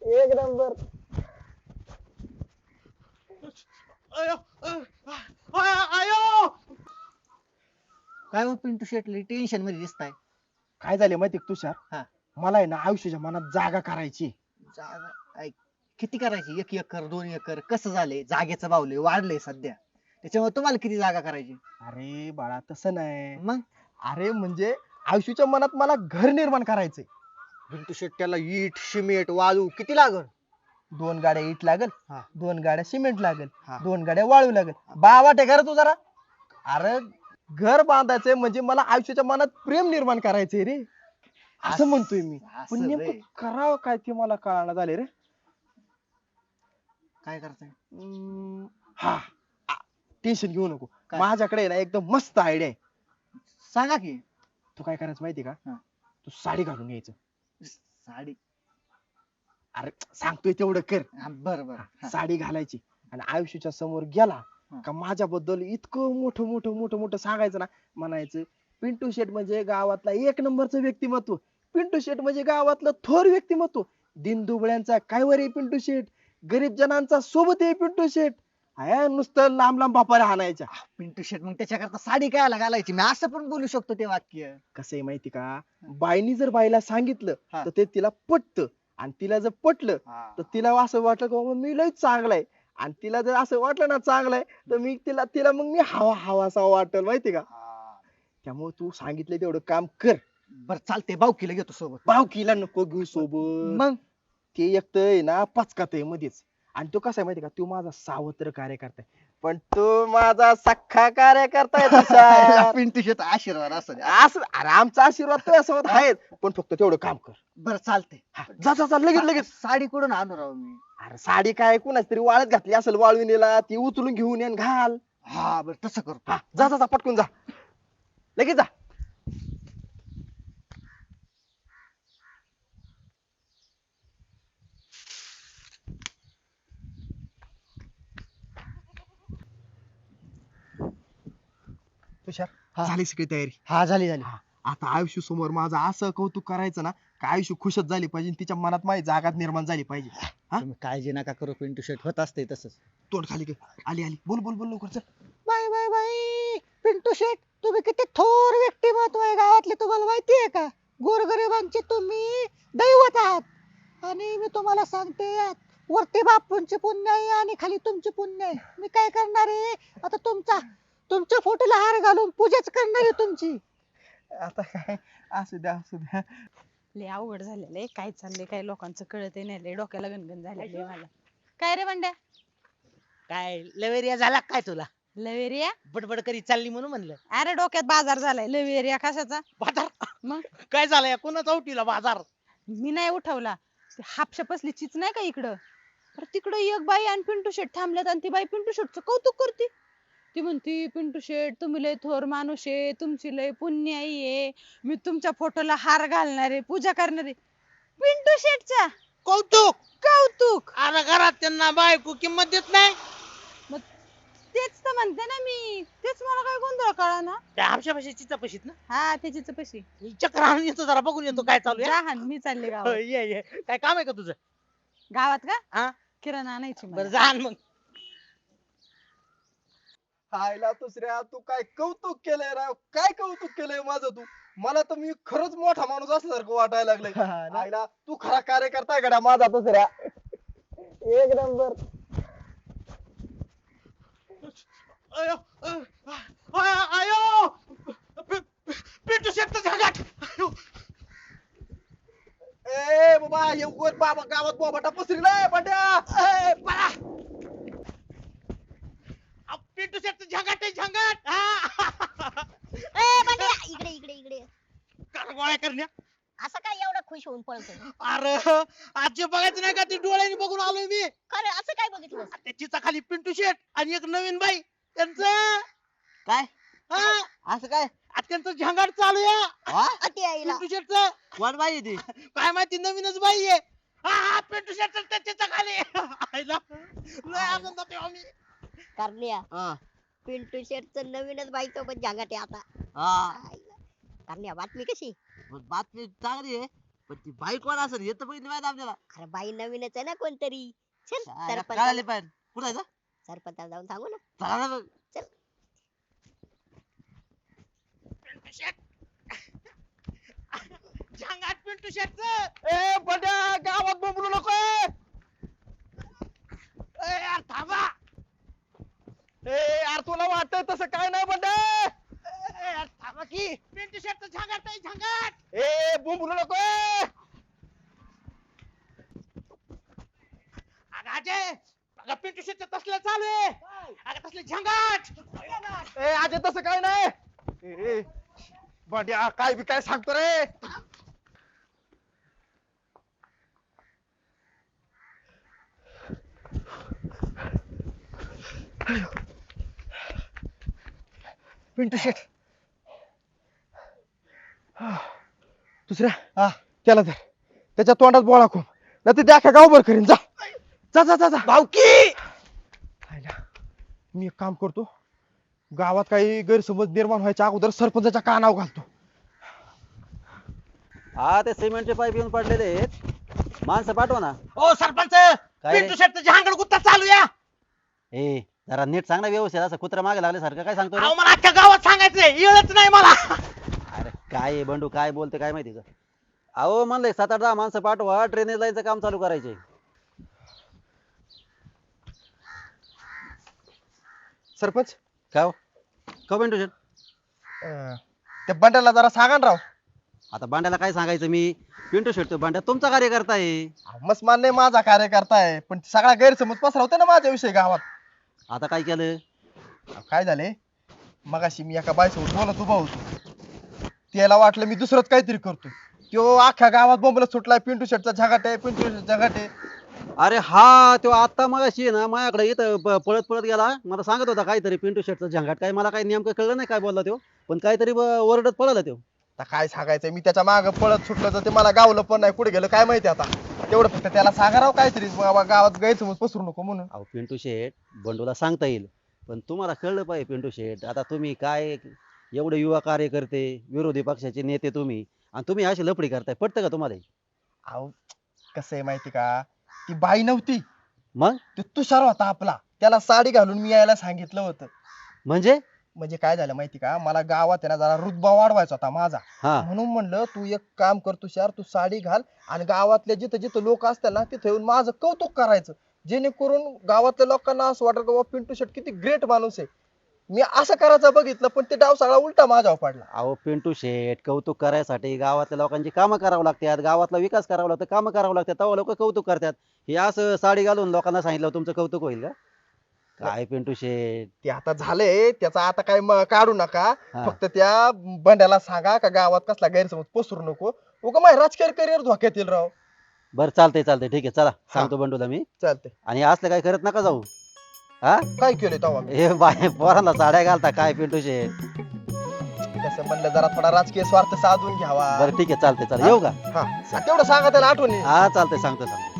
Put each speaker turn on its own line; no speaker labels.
एक नंबर.
अयो आयो.
काय हो पिंटू शेटली टेन्शन मध्ये दिसताय.
काय झाले माहिती तुषार?
हा.
मला आहे ना आयुष्याच्या मनात जागा करायची.
जागा ऐक, किती करायची? 1 एकर 2 एकर कसं झालंय? जागेचं भावले वाढलंय सध्या, त्याच्यामुळे तुम्हाला किती जागा करायची?
अरे बाळा तसं नाही.
मग
अरे म्हणजे आयुष्याच्या मनात मला घर निर्माण करायचंय.
पिंटू शेट त्याला इट सिमेंट वाळू किती लागल?
2 गाड्या इट लागल,
हा.
2 गाड्या सिमेंट लागल,
हा.
2 गाड्या वाळू लागल. बावाट आहे का रे तू जरा? अरे घर बांधायचंय म्हणजे मला आयुष्याच्या मनात प्रेम निर्माण करायचंय रे, असं म्हणतोय मी.
असं
पण
रे.
नेमकं करावं काय ते मला कळायला झाले रे.
काय करताय?
हा, टेन्शन घेऊ नको.
काय?
माझ्याकडे आहे ना एकदम मस्त आयडिया आहे.
सांगा की.
तू काय करायचं माहिती का?
हा.
तू साडी घालून यायचं.
साडी?
अरे सांगतोय तेवढं कर.
बर बर.
साडी घालायची आणि आयुष्याच्या समोर गेला
हा.
का माझ्याबद्दल इतकं मोठं मोठं मोठं मोठं सांगायचं ना. म्हणायचं पिंटू शेट म्हणजे गावातला 1 नंबरचं व्यक्तिमत्व, पिंटू शेट म्हणजे गावातलं थोर व्यक्तिमत्व, दिनदुबळ्यांचा काय वर आहे पिंटू शेट, गरीब जनांचा सोबत आहे पिंटू शेट. हाय नुसतं लांब लांब बापाऱ्या हाणायच्या.
पिंटू शेट मग त्याच्याकरता साडी काय घालायची? मी असं पण बोलू शकतो ते वाक्य.
कसं आहे माहिती का, बाईनी जर बाईला सांगितलं
हा.
तर ते तिला पटतं, आणि तिला जर पटलं तर तिला असं वाटलं की बाबा मी लय चांगला आहे, आणि तिला जर असं वाटलं ना चांगलं आहे तर मी तिला तिला मग मी हवा हवासा वाटेल माहिती का. त्यामुळे तू सांगितलं तेवढं काम कर.
बर चालते, भाऊकीला घेतो सोबत.
भावकीला नको घेऊ सोबत.
मग
ते एकटं आहे ना पचकात आहे मध्येच, आणि तो कसा आहे माहिती का, तो माझा सावत्र कार्यकर्ता आहे, पण तो माझा सख्खा कार्यकर्ता आहे तुषार.
पिंटू शेट आशीर्वाद असू द्या.
असं अरे आमचा आशीर्वाद तुझ्यासोबत आहेत, पण फक्त तेवढं काम कर.
बर चालते.
हा, जा जा जा लगेच लगेच.
साडी कुठून आणू राव मी?
अरे साडी काय कुणाच तरी वाळत घातली असेल वाळविणीला, ती उचलून घेऊन ये आणि घाल.
हा बर तसं करतो.
हा, जा जा जा पटकून जा, लगेच जा. तुषार
हा.
झाली सगळी तयारी.
हा झाली झाली.
हा, आता आयुष्य समोर माझं असं कौतुक करायचं ना का आयुष्य खुशच झाली पाहिजे, तिच्या मनात माझी जागा निर्माण झाली पाहिजे. हा?
तुम्ही काळजी नका करू, पिंटू शेट होत असते तसंच.
तोंड खाली कर. आली आली, बोल बोल बोल लवकर चल.
Bye bye bye. Pintu Shet तुम्ही किती थोर व्यक्तिमत्व आहे गावातले, तुम्हाला माहिती आहे का? गोरगरिबांचे तुम्ही दैवत आहात, आणि मी तुम्हाला सांगते वरती बापूंचे पुण्य आहे आणि खाली तुमचे पुण्य आहे. मी काय करणार आहे आता, तुमच्या फोटोला हार घालून पूजाच करणार आहे तुमची.
आता काय, असू द्या असू द्या.
लय अवघड झालेलं आहे, काय चाललंय काय लोकांचं कळत नाही, लय डोक्याला गणगण झालेली आहे मला. काय रे बंड्या?
काय लवेरिया झाला काय तुला?
लवेरिया?
बडबड करी चालली म्हणून म्हणलं.
अरे डोक्यात बाजार झालाय. लवेरिया कशाचा?
बाजार
मग
काय झालंय? कोणाचा उठीला बाजार?
मी नाही उठवला, ती हापशा पसली चीच नाही का इकडं, तर तिकडं एक बाई आणि पिंटू शेट थांबल्यात, आणि ती बाई पिंटू शेटचं कौतुक करते. ती म्हणती पिंटू शेट तुम्ही लय थोर माणूस आहे, तुमची लय पुण्याई आहे, मी तुमच्या फोटोला हार घालणार आहे, पूजा करणार आहे. पिंटू शेटचा
कौतुक.
कौतुक.
अरे घरात त्यांना बायको किंमत देत नाही.
मग तेच तर म्हणते ना मी, तेच मला काय गोंधळ कळा ना.
त्या आमच्या भाषेत चिचा पशीत ना.
हा त्याचीच पशी.
चक्र आणून येतो, जरा बघून येतो काय चालू आहे.
जा मी चालले
हो,
गावात.
ये ये. काय काम आहे का तुझं?
गावात का?
हा
किराणा आणायची मला.
बरं जा आण मग.
हायला दुसऱ्या, तू काय कौतुक केलंय राव, काय कौतुक केलंय माझं तू. मला तर मी खरंच मोठा माणूस असल्यासारखं वाटायला लागलंय. हायला तू खरा कार्यकर्ता आहे गड्या माझा दुसऱ्या. एक नंबर.
अयो आयो. पिंटू शेटचं झागाट. अयो.
ए बाबा हे उगाच बाबा गावात बोबाटा पसरलाय बंड्या.
ए, पळा. पिंटू शेटचं झागाट आहे झागाट.
ए बंड्या, इकडे इकडे इकडे.
गोळ्या करण्या.
असं काय एवढं खुश होऊन पळतोय?
अरे आजी बघायचं नाही का, ती डोळ्याने बघून आलोय मी.
खरं असं काय बघितलं?
त्याचीचा खाली पिंटू शेट आणि एक नवीन बाई त्यांचं.
काय
हा,
असं काय?
आता त्यांचं झंगाट चालू आहे
अति आईला.
पिंटू शेटचं.
कोण बाई ती?
काय माहिती, नवीनच बाई आहे. हा पिंटू शेट त्याच्या खाली. आईला लय आनंदात आहे आम्ही.
करण्या,
हा
पिंटू शेटचं नवीनच बाईचं पण जागाट आहे आता.
हा.
आईला. करण्या बातमी कशी?
बातमी चांगली आहे,
पण ती बाई कोण असेल हे तर बघितलं माहिती आपल्याला.
अरे बाई नवीनच आहे ना कोणतरी. चल
कळाले
सरपंच
पाहिजे. कुठं जायचं?
सरपंचाला जाऊन सांगू ना.
चला ना मग.
पिंटू शेट झांगाट पिंटू शेटच.
ए बंड्या गावात बोंबलू नको.
यार थांबा.
ए यार तुला वाटतंय तसं काय नाही बंड्या.
यार थांबा की पिंटू शेटच झांगाट आहे झांगाट.
ए बोंबलू नको.
अगं अजय अगं पिंटू शेटच तसलं चालू आहे. अगं तसले झांगाट.
ए अजय तसं काय नाही. ए बंड्या काय बी काय सांगतो रे. पिंटू शेट दुसऱ्या त्याला धर. त्याच्या तोंडात बोळा खूप नाही तर त्या गावभर करीन. जा जा जा जा जा.
भाऊकी
मी एक काम करतो, गावात काही गैरसमज निर्माण व्हायच्या अगोदर सरपंचाच्या कानावर घालतो.
हा ते सिमेंटचे पाईप येऊन पडलेले आहेत, माणसं पाठवा ना.
ओ सरपंच
रे?
पिंटू शेटच झांगाट गुत्ता चालू या.
ए जरा नीट सांग ना व्यवस्थित, असं कुत्रा मागे लागल्यासारखं काय सांगतो रे?
अहो मला अख्ख्या गावात सांगायचंय येळच नाही मला.
अरे काय आहे बंडू, काय बोलते काय माहिती का? अहो म्हणलंय 7-8-10 माणसं पाठवा, ड्रेनेज लाईनचं काम चालू करायचंय.
सरपंच
का हो? का बंडू शेट?
त्या बंड्याला जरा सांगा ना राव.
आता बांड्याला काय सांगायचं मी? पिंटू शेट तो बांड्या तुमचा कार्यकर्ता आहे.
मस्त मान्य माझा कार्यकर्ता आहे, पण सगळा गैरसमज पसरवते ना माझ्याविषयी गावात.
आता काय केलं?
काय झाले, मगाशी मी एका बाईसोबत बोलत उभा होतो. त्याला वाटलं मी दुसरंच काहीतरी करतो. तो अख्ख्या गावात बोंबलत सुटलाय, पिंटू शेटचा झगाट आहे, पिंटू शेटचा झगाट आहे.
अरे हा तो आता मगाशी आहे ना माझ्याकडे इथं पळत पळत गेला, मला सांगत होता काहीतरी पिंटू शेटचा झंगाट. काय मला काही नेमकं कळलं नाही काय बोलला तो, पण काहीतरी ओरडत पळाला तो.
आता काय सांगायचं, मी त्याच्या मागे पळत सुटलं तर ते मला गावलं पण नाही, कुठे गेलं काय माहिती. आता तेवढं फक्त त्याला सांगा राव काहीतरी, बाबा गावात गैरसमज पसरू नको म्हणून.
अहो पिंटू शेट बंडूला सांगता येईल, पण तुम्हाला कळलं पाहिजे पिंटू शेट. आता तुम्ही काय एवढे युवा कार्यकर्ते, विरोधी पक्षाचे नेते तुम्ही, आणि तुम्ही अशी लफडी करताय, पटतं का तुम्हाला?
अहो कसं आहे माहिती का, ती बाई नव्हती,
मग
ते तुषार होता आपला, त्याला साडी घालून मी यायला सांगितलं होतं. म्हणजे काय झालं माहिती का, मला गावात आहे ना जरा रुतबा वाढवायचा होता माझा.
हा
म्हणून म्हणलं तू एक काम कर तुषार, तू साडी घाल आणि गावातल्या जिथं जिथं लोक असतात ना तिथं येऊन माझं कौतुक करायचं, जेणेकरून गावातल्या लोकांना असं वाटत की बाबा पिंटू शेट किती ग्रेट माणूस आहे. मी असं करायचं बघितलं, पण ते डाव सगळा उलटा माझ्यावर पडला.
अहो पिंटू शेट कौतुक करायसाठी गावातल्या लोकांची कामं करावं लागतात, गावातला विकास करावा लागतो, कामं करावं लागतात, तेव्हा लोक कौतुक करतात. हे असं साडी घालून लोकांना सांगितलं तुमचं कौतुक होईल का? काय पिंटू शेट,
ते आता झालंय त्याचा, आता काय काढू नका.
हा.
फक्त त्या बंड्याला सांगा का गावात कसला गैरसमज पसरू नको, उगा माझ्या राजकीय करिअर धोक्यात येईल राव.
बरं चालतंय चालतंय ठीक आहे, चला सांगतो बंडूला मी.
चालतंय.
आणि असलं काय करत नका जाऊ. हा
काय केलंय तेव्हा मी?
हे बाय पोरांना साड्या घालता काय पिंटू शेट?
कसं म्हणलं जरा थोडा राजकीय स्वार्थ साधून घ्यावा.
बरं ठीक आहे चालतंय, चला येऊ का?
हा तेवढं सांगा त्याला आठवणी.
हा चालतंय, सांगतो सांगतो.